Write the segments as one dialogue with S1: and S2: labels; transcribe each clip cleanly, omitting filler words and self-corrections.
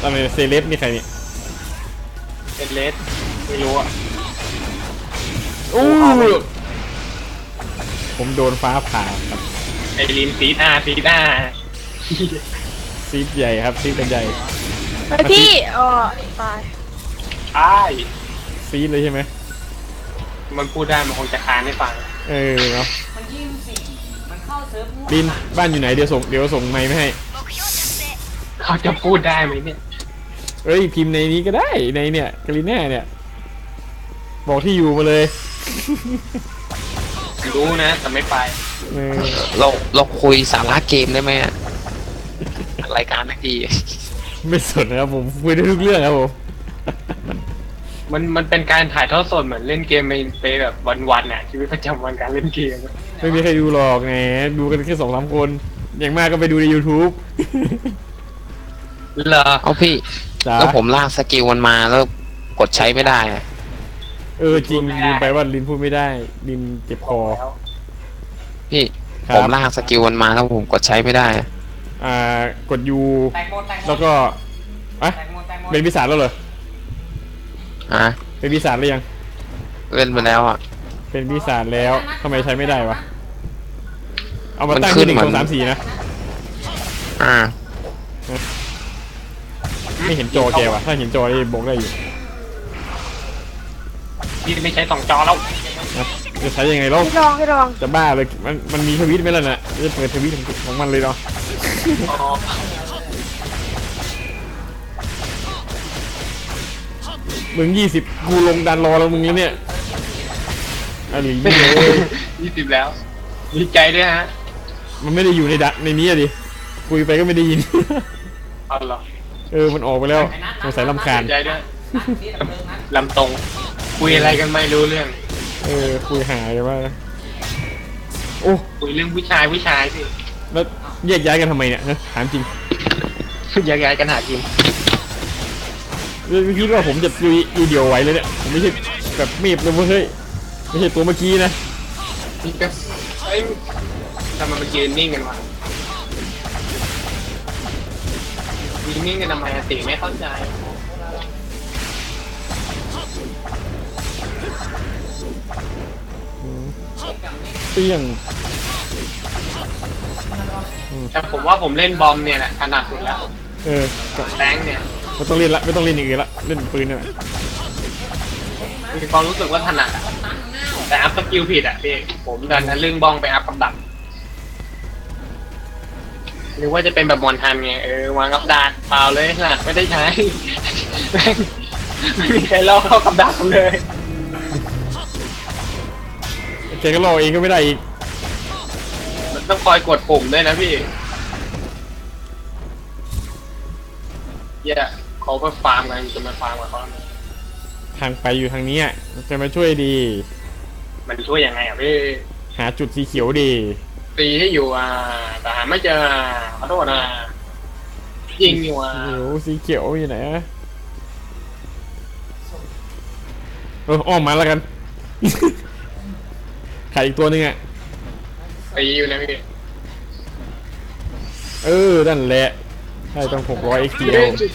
S1: อะไรเซเลบนี่ใครเนี่ย
S2: เป็นเลสไม่รู้อ่ะ
S1: โอ้ผมโดนฟ้าผ่าครับ
S2: ไอรินซีดซีด
S1: ซีดใหญ่ครับซีดเป็นใหญ่
S3: ไปพี่อ๋อตาย
S2: ใช่
S1: ซีดเลยใช่ไหม
S2: มันพูดได้มันคงจะค้านให้ฟัง
S1: เนาะ
S4: มันยืมสิมันเข้าเซิร์ฟ
S1: บินบ้านอยู่ไหนเดี๋ยวส่งไมค์ไม่ให้
S2: เขาจะพูดได้ไหมเนี่ย
S1: เอ้ยพิมพ์ในนี้ก็ได้ในเนี่ยกาลิน่าเนี่ยบอกที่อยู่มาเลย
S2: รู้นะแต่ไม่ไป
S5: เราคุยสาระเกมได้ไหมรายการนักดี
S1: ไม่สนนะครับผมคุยได้ทุกเรื่องครับผม
S2: มันเป็นการถ่ายทอดสดเหมือนเล่นเกมไปแบบวันๆน่ะชีวิตประจำวันการเล่นเกม
S1: ไม่มีใครดูหรอกไงดูกันแค่2-3 คนอย่างมากก็ไปดูใน YouTube
S2: เหรอ
S5: เอาพี่แล้วผมลากสกิลมันมาแล้วกดใช้ไม่ได้
S1: จริงลืมไปว่าลินพูดไม่ได้ลินเจ็บคอ
S5: พี่ผมลากสกิลมันมาแล้วผมกดใช้ไม่ได้
S1: กดยูแล้วก็เป็นปีศาจแล้วเหรอเป็นปีศาจหรือยัง
S5: เล่นไปแล้ว
S1: เป็นปีศาจแล้วทำไมใช้ไม่ได้วะเอามาตั้งที่1 2 3 4นะไม่เห็นจอแกวะถ้าเห็นจอได้บอกได้อยู่
S2: พี่ไม่ใช้2 จอแล้ว
S1: จะใช้ยังไงล่ะ
S3: ให้ลอง
S1: จะบ้าเลยมันมีทวิตไหมล่ะน่ะจะเปิดทวิตของมันเลยเนาะมึง20กูลงดันรอแล้วมึงแล้วเนี่ยอะไร
S2: 20แล้วดีใจด้วยฮะ
S1: มันไม่ได้อยู่ในนี้ดิคุยไปก็ไม่ได้ยิน
S2: อ๋อเหรอ
S1: มันออกไปแล้วสงสัยรำคาญ
S2: ใจด้วยลำตรงคุยอะไรกันไม่รู้เรื่อง
S1: คุยหายกันว่าโอ้
S2: คุยเรื่องผู้ชายสิ
S1: แล้วแยกย้ายกันทำไมเนี่ยถามจริง
S2: แยกย้ายกันหากิน
S1: คิดว่าผมจะอยู่เดียวไหวเลยเนี่ยผมไม่ใช่แบบเมฟเลยเฮ้ยไม่ใช่ตัวเมื่อกี้นะ
S2: นี่ก็ทำไมมันยืนนิ่งกันวะยืนนิ่งกันทำไมติไม่เข้าใจ
S1: เปี้ยง
S2: แต่ผมว่าผมเล่นบอมเนี่ยแหละถนัดสุดแล้วแรงเนี่ย
S1: ไม่ต้องเล่นละไม่ต้องเล่นอย่างอื่นละเล่นปืนเนี่ย
S2: มีความรู้สึกว่าถนัดแต่อัพสกิลผิดพี่ผมดันทะลึ่งบ้องไปอัพกับดักหรือว่าจะเป็นแบบมอนทันไงวางกับดักเปล่าเลยขนาดไม่ได้ใช้ไม่มีใครเล่าเข้ากับดักเลย
S1: แกก็รอเองก็ไม่ได้อีก
S2: มันต้องคอยกดปุ่มด้วยนะพี่เขาไปฟาร์มกันจะมาฟาร์มกับเขา
S1: ทางไปอยู่ทางนี้จะมาช่วยดี
S2: มันช่วยยังไงพี่
S1: หาจุดสีเขียวดี
S2: ตีให้อยู่แต่หาไม่เจอขอโทษยิงอยู่
S1: สีเขียวอยู่ไหนอ้อมมาแล้วกันขายอีกตัวนึง
S2: ตีอยู่นะพี่
S1: นั่นแหละใช่ต้อง600 XP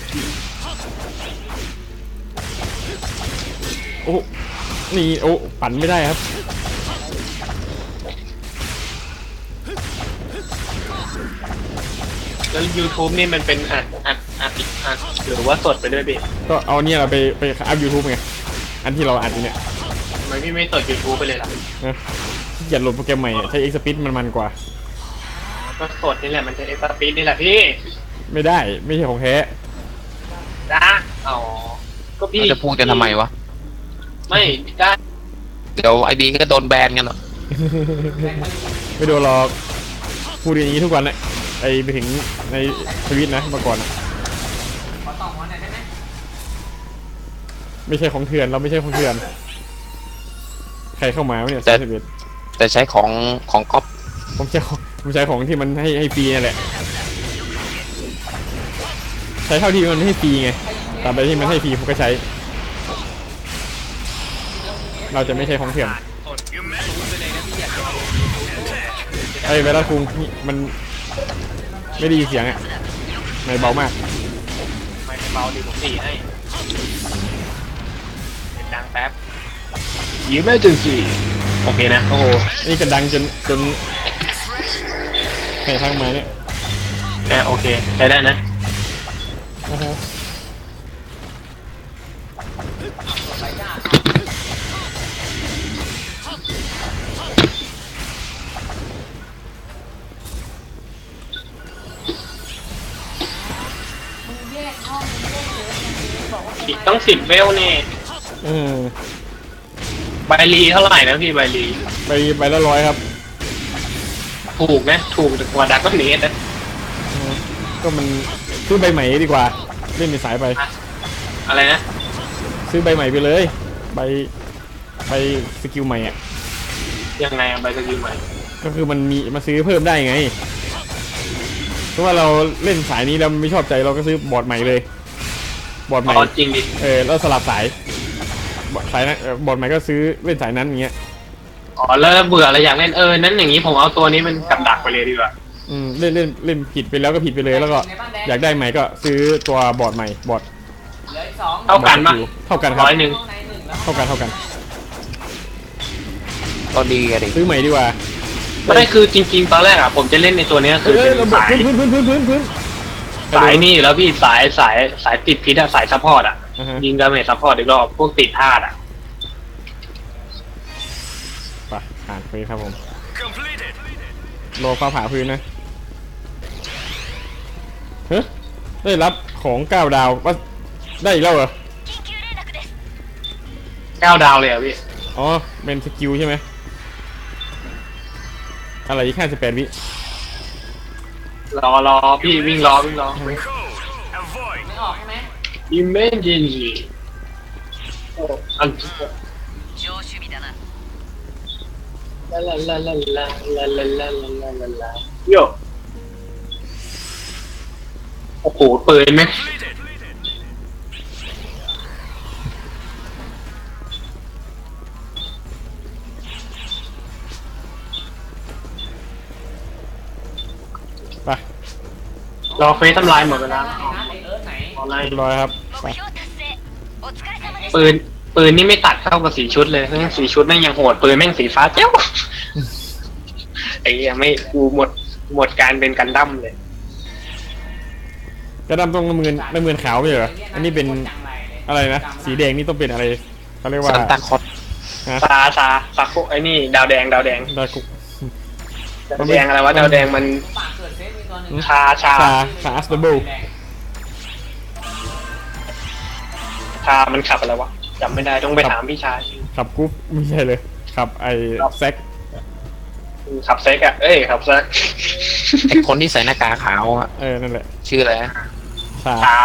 S1: โอ้นี่ปั่นไม่ได้ครับ
S2: แล้ว YouTube นี่มันเป็นอัดหรือว่าสดไปด้วยพี่
S1: ก็เอาเนี่ยเราไปอัพ YouTube ไงอันที่เราอัดอยู่เนี่ย
S2: ทำไมพี่ไม่สด YouTube ไปเลยล่ะ
S1: อย่าโหลดโปรแกรมใหม่ใช้ Xpeed มันกว่า
S2: ก็สดนี่แหละมันจะ Xpeed นี่แหละพี่
S1: ไม่ได้ไม่ใช่ของแท้
S2: ก็พี่
S5: จะพูดกันทำไมวะ
S2: ไม่ได้
S5: เดี๋ยวไอบีก็โดนแบนกันหรอ
S1: ไม่โดนหรอกพูดอย่างนี้ทุกวันเลยไปถึงในทวิตนะมาก่อนไม่ใช่ของเถื่อนเราไม่ใช่ของเถื่อนใครเข้ามาเนี่ย
S5: แต่ใช้ของก๊อป
S1: ผมใช้ของที่มันให้ฟรีนี่แหละใช้เท่าที่มันให้ฟรีไงตามไปที่มันให้ฟรีผมก็ใช้เราจะไม่ใช่ของเถื่อนเวลาคุงมันไม่ได้ยินเสียงไม่เบามาก
S2: เบาดีผมตีให้เสียงดังแป๊บยิ้มไม่ถึงสี่โอเคนะ
S1: โอ้โหนี่กระดังจนใครทักมาเนี่ย
S2: โอเคใช้ได้นะ
S1: โอ้โห
S4: มึงแยกห้องมึงแยกเยอะอย่างนี้บอกว่า
S2: อีกต้อง10 เวลนี่
S1: เออ
S2: ใบรีเท่าไหร่นะพี่ใบรี
S1: ไปละ100ครับ
S2: ถูกนะถูกกว่าดักก็เนสนะ
S1: เออก็มันซื้อใบใหม่ดีกว่าเล่นในสายไป
S2: อะไรนะ
S1: ซื้อใบใหม่ไปเลยใบสกิลใหม่อ่ะ
S2: ยังไงใบสกิลใหม่
S1: ก็คือมันมีมาซื้อเพิ่มได้ไงเพราะว่าเราเล่นสายนี้แล้วไม่ชอบใจเราก็ซื้อบอร์ดใหม่เลยบอร์ดใหม่
S2: อ๋อจริงดิ
S1: แล้วสลับสายสายนั้นบอร์ดใหม่ก็ซื้อเล่นสายนั้นอย่างเงี้ย
S2: อ๋อแล้วเบื่ออะไรอยากเล่นนั้นอย่างนี้ผมเอาตัวนี้เป็นกับดักไปเลยดีกว่า
S1: เล่นผิดไปแล้วก็ผิดไปเลยแล้วก็อยากได้ใหม่ก็ซื้อตัวบอร์ดใหม่บอร์ด
S4: เหลืออีกสอง
S2: เท่ากันปะ
S1: เท่ากันครับ
S2: 100
S4: ห้องในหนึ่งแล้ว
S1: เท่ากัน
S5: ก็ดีอะดิ
S1: ซื้อใหม่ดีกว่า
S2: ไม่ได้คือจริงๆตอนแรกอะผมจะเล่นในตัวนี้คือเป็น
S1: ระบบ
S2: สาย
S1: พื้น
S2: สายนี่อยู่แล้วพี่สายติดพิษอะสายซัพพอร์ตอะ
S1: อ่าฮะ
S2: ยิงดาเมจซัพพอร์ตอีกรอบพวกติดธาตุอะ
S1: ไปผ่านไปครับผมรอฟ้าผ่าพื้นนะเฮ้ยได้รับของ9 ดาวว่าได้อีกแล้วเหรอ
S2: 9 ดาวเลยอะพี่
S1: อ๋อเป็นสกิลใช่ไหมอะไรอีก58 วิ
S2: รอพี่วิ่งรอ
S4: ไม่ออกใช่ไหม
S2: Emergency อันลาโยโอ้โหปืนไหม
S1: ไป
S2: รอเฟสทำลายหมดเวลา
S4: ไอ้นัทไอ้เอิร์ธไหน
S2: ออนไลน์
S1: เรียบร้อยครับไป
S2: ปืนนี่ไม่ตัดเข้ากับสีชุดเลยเพราะงั้นสีชุดแม่งยังโหดปืนแม่งสีฟ้าเจ้าไอ้เหี้ยไม่กูหมดการเป็นกันดั้มเลย
S1: กระดำต้องน้ำเงินขาวไม่ใช่เหรออันนี้เป็นอะไรนะสีแดงนี่ต้องเป็นอะไรเขาเรียกว่า
S5: ซันตาคลอส
S2: ซาโคไอ้นี่ดาวแดง
S1: ดากุ
S2: ดาวแดงอะไรวะดาวแดงมัน
S4: ปากเกิดเซฟมีตัวหนึ่ง
S2: ชา
S1: อัสเดอร์เบิล
S2: มันขับอะไรวะจำไม่ได้ต้องไปถามพี่ชาย
S1: ขับกรุ๊ปไม่ใช่เลยขับไอ้แซก
S2: ขับเซ็กอะขับเซ็ก
S5: ไอคนที่ใส่หน้ากากขาวอะ
S1: นั่นแหละ
S5: ชื่ออะไรนะ
S1: ชา
S2: ชา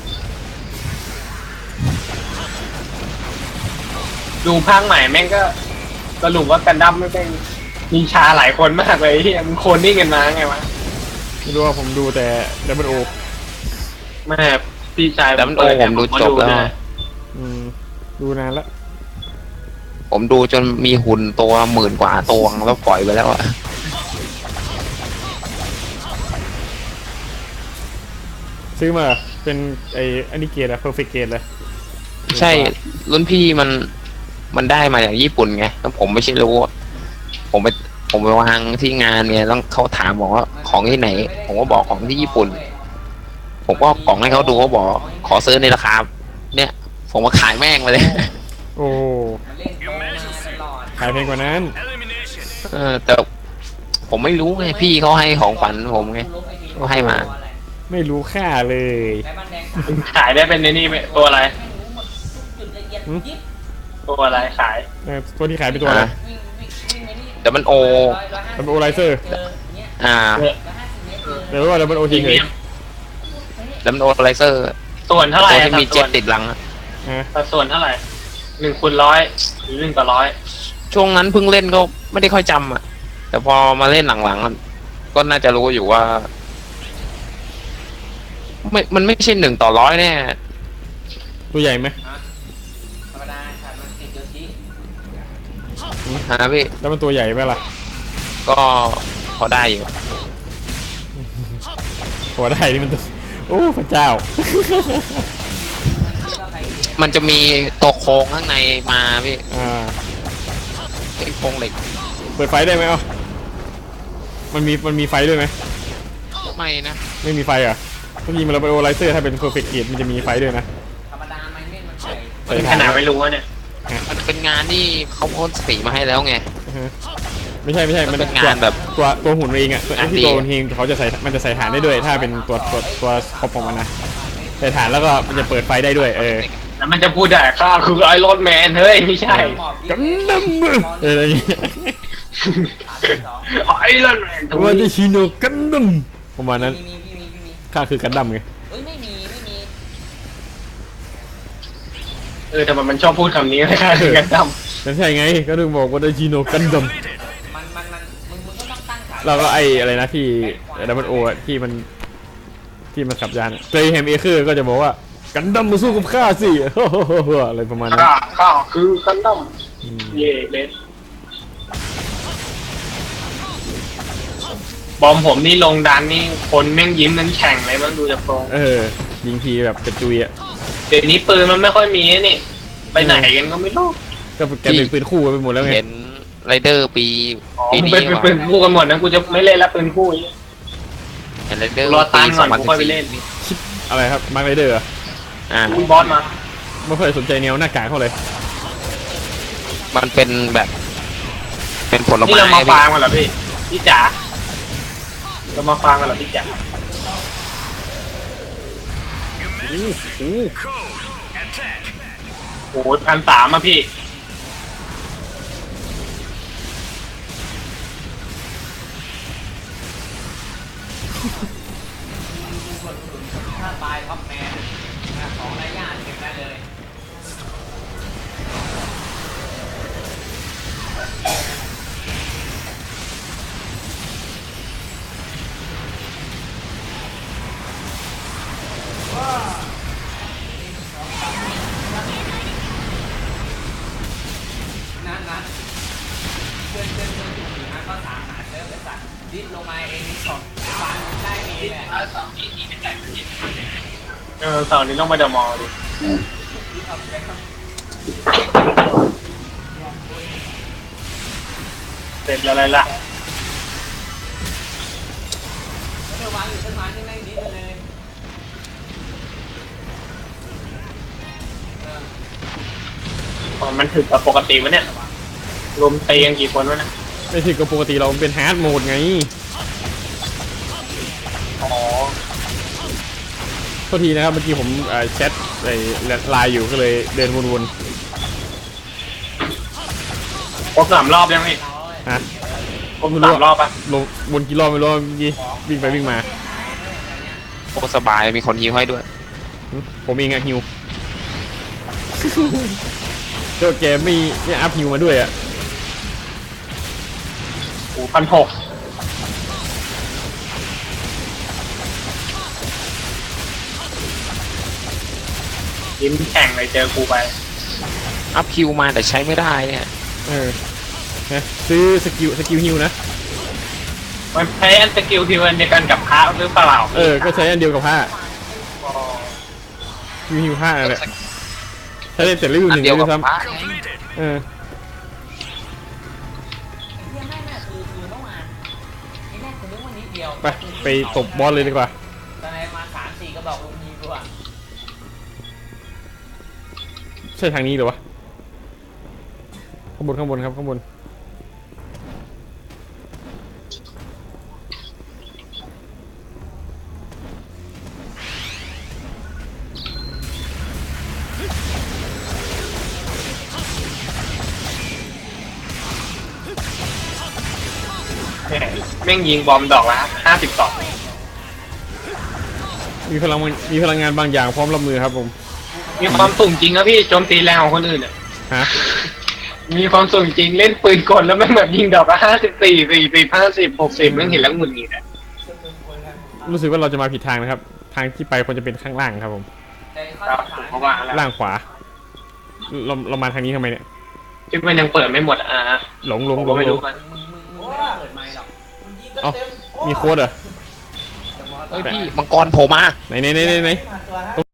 S2: ดูภาคใหม่แม่งก็สรุปว่ากันดั้มไม่เป็นมีชาหลายคนมากเลยที่มันโคนนิ่งกันมาไงวะ
S1: ไม่รู้ว่าผมดูแต่ดับเบิลโอ
S2: แม่พี่ชาย
S5: แต่มันโอ้ผมดูจบแล้ว
S1: ดูนานแล้ว
S5: ผมดูจนมีหุ่นตัว10,000 กว่าตัวแล้วปล่อยไปแล้วอะ
S1: ซื้อมาเป็นอันนี้เกรดอะเพอร์เฟกต์เกรดเลย
S5: ใช่รุ่นพี่มันได้มาจากญี่ปุ่นไงแล้วผมไม่ใช่รู้อะผมไปวางที่งานเนี่ยต้องเขาถามบอกว่าของที่ไหน ผมก็บอกของที่ญี่ปุ่น ผมก็กล่องให้เขาดูเขาบอกขอซื้อในราคาเนี่ย ผมมาขายแม่งไปเลย
S1: โอ้
S4: มันเล่นโตมาตลอด
S1: ขายแพงกว่านั้น
S5: แต่ผมไม่รู้ไงพี่เขาให้ของขวัญผมไง ก็ให้มา
S1: ไม่รู้ค่าเลย
S4: ไอ้บ้านแดง
S2: ขายได้เป็นในนี่ไหมตัวอะไร
S4: ไม่รู้หมดทุกจุดละเอียดยิบ
S2: ตัวอะไรขาย
S1: ตัวที่ขายเป็นตัวอะไร
S4: วิ่งไปนี่
S5: แต่มันโอ
S1: ดับเบิลโอไลเซอร์
S4: เจอเนี้ย
S5: 150
S4: 150 เมตร
S1: เดี๋ยวว่าดับเบิลโอ
S2: พรี
S1: เฉ
S2: เมี
S1: ย
S2: ยม
S5: แล้วมันโอไลเซอร์
S2: ส่วนเท่าไหร่
S5: ตัวที่มีเจ็ตติดหลังอะ
S1: ๆ
S2: ส่วนเท่าไหร่1/100หรือ1/100
S5: ช่วงนั้นเพิ่งเล่นก็ไม่ได้ค่อยจำอะแต่พอมาเล่นหลังๆอะก็น่าจะรู้อยู่ว่ามันไม่ใช่1/100แน่
S1: ตัวใหญ่ไหม
S4: ธรรมดาขาดมันติดโยชิ
S5: ฮะพี่
S1: แล้วมันตัวใหญ่ไหมล่ะ
S5: ก็พอได้อยู่
S1: หัวได้นี่มันตัวโอ้พระเจ้า
S5: มันจะมีตัวโครงข้างในมาพี่ ไอ้โครงเหล็ก
S1: เปิดไฟได้ไหมมันมีไฟด้วยไหม
S5: ไม่นะ
S1: ไม่มีไฟอ่ะต้องยิงมันระเบิดโอไลเซอร์ถ้าเป็นเพอร์เฟกต์เกตมันจะมีไฟด้วยนะ
S4: ธรรมดามันไม่มันใส่
S2: เป็นขนาดไม่รู้ว่าเนี่ย
S5: มันเป็นงานที่เขาพ่นสีมาให้แล้วไง
S1: ไม่ใช่มัน
S5: เป็นงานแบบ
S1: ตัวหุ่นเองอ่ะไอ้ที่
S5: งานดี
S1: ตัวหุ่นเองเขาจะใส่มันจะใส่ฐานได้ด้วย ถ้าเป็นตัวคอปของมันนะใส่ฐานแล้วก็มันจะเปิดไฟได้ด้วย
S2: แล้วมันจะพูดได้ข้าคือไอรอนแมนเฮ้ยไม่ใช่
S4: หมอบ
S1: กันดั้มอะไรอย่างเงี้ย
S2: ไอรอนแมน
S1: ว่าจะชิโนกันดั้มประมาณนั้น
S4: มี
S1: ข้าคือกันดั้มไง
S4: เอ้ยไม่มี
S2: แต่มันชอบพูดคำนี้ข้าคือกันดั้ม
S1: นั่นใช่ไงก็ถึงบอกว่าจะชิโนกันดั้ม
S4: มึงก็ต้องตั้งขา
S1: เราก็ไออะไรนะที่ดับเบิลโอที่มันขับยานเจแฮมเอเคอร์ก็จะบอกว่ากันดั้มมาสู้กับข้าสิ อะไรประมาณนั้น
S2: ข้าคือกันดั้มเย่เลสบอมผมนี่ลงดันนี่คนแม่งยิ้มนั้นแข่งเลยมันดูจากตรง
S1: ยิงทีแบบกระจุยอ่ะ
S2: เดี๋ยวนี้ปืนมันไม่ค่อยมีนี่ไปไหนกันก็ไม่รู้
S1: ก็แกเป็นปืนคู่กันไปหมดแล้วไง
S5: เห็นไรเดอร์ปี
S2: มึง
S5: นี้
S2: เป็น
S5: ว่ะ
S2: ปืนคู่กันหมดนะกูจะไม่เล่นแล้วปืนคู่
S5: เห็นไรเดอร์
S2: รอ
S5: ปี
S2: ตันก่อนกูค่อยไป
S5: 2014
S2: เล่น
S1: อะไรครับมาร์คไรเดอร์
S2: คุณบอสมา
S1: ไม่ค่อยสนใจแนวหน้ากากเขาเลย
S5: มันเป็นแบบ เป็นผล
S2: นี่
S5: ไม้
S2: เรามา
S5: พี่
S2: ฟาร์มกันเหรอพี่จ๋าเรามาฟาร์มกันเหรอพี่จ๋าโอ้โห1,300อะพี่
S4: ถ้าตายท็อปแมนของไรญาติเก็บได้เลย นั้นเพื่อนอยู่นะก็สามหาเซิร์ฟไอ้สัตว์ดิ้นลงมาเองนี่สองฟันได้เองแหละ
S2: เสาร์นี้ต้องมาเดอะมอลล์ดิเสร็จแล้วอะไรล่ะ
S4: เดี๋ยววางอยู่ต้นไม้ที่แม่งดิ้นเลย
S2: มันถึงกับปกติวะเนี่ยรวมตีกันกี่คนวะเนี่ย
S1: ไม่ใช่ก็ปกติเราเป็นฮาร์ดโหมดไง
S2: อ๋อ
S1: โทษทีนะครับเมื่อกี้ผมแชทไลน์อยู่ก็เลยเดินวน
S2: ครบ3 รอบยังพี่
S1: ๆฮะ
S2: ครบ3 รอบปะ
S1: ลงวนกี่รอบไม่รู้เมื่อกี้วิ่งไปวิ่งมา
S5: โอ้สบายมีคนยิงให้ด้วย
S1: ผมเองอะฮิว เจ้าแกไม่อัพฮิวมาด้วยอะ
S2: โอ้1,600ยิ้มแข่งเลยเจอกูไป
S5: อัพคิวมาแต่ใช้ไม่ได้เนี่ย
S1: นะซื้อสกิลฮิวนะ
S2: มันใช้อันสกิลที่มันเดียวกันกับพระหรือเปล่า
S1: ก็ใช้อันเดียวกับผ้าฮิวผ้านั่นแหละใช้ได้เสร็จรีวิว
S5: อั
S1: ห
S5: น
S1: นึ่ง
S5: เดียว
S1: ด้
S5: กั
S1: ว
S5: บ
S1: ยซ้
S5: พระ
S1: ำ
S4: เฮียแม่งน่ะคือเมื่อวานไอ้แรกกูนึกว่านิดเดียว
S1: ไปตบบอสเลยดีกว่า
S4: ตอนไหนมา3-4ก็บอกลุงยิงกูอ่ะ
S1: ใช่ทางนี้เหรอวะข้างบนครับข้างบน
S2: แม่งยิงบอมดอกละ52
S1: มีพลังงานบางอย่างพร้อมรับมือครับผม
S2: มีความสูงจริงนะพี่โจมตีแรงของคนอื่นอ่ะ
S1: ฮะ
S2: มีความสูงจริงเล่นปืนกลแล้วแม่งแบบยิงดอกละ54 40 50 60แม่งเห็นแล้วหงุดหงิดอ่ะ
S1: รู้สึกว่าเราจะมาผิดทางนะครับ ทางที่ไปควรจะเป็นข้างล่างครับผม
S4: แต่ข้อ
S2: ครับ
S4: สำ
S2: ผม
S4: คัญ
S2: ก็ว่าแล้ว
S1: ล่างขวาเรามาทางนี้ทำไมเนี่ย
S2: ที่มันยังเปิดไม่หมด
S1: หลง
S2: ผมก็ไม่รู้มัน
S4: มึงไม่ต้องเปิดไมค์หรอก
S1: เอ้ามีโค้ดเหรอ
S4: จะมอง
S5: เฮ้ยพี่มังกรโผล่มา
S1: ไหน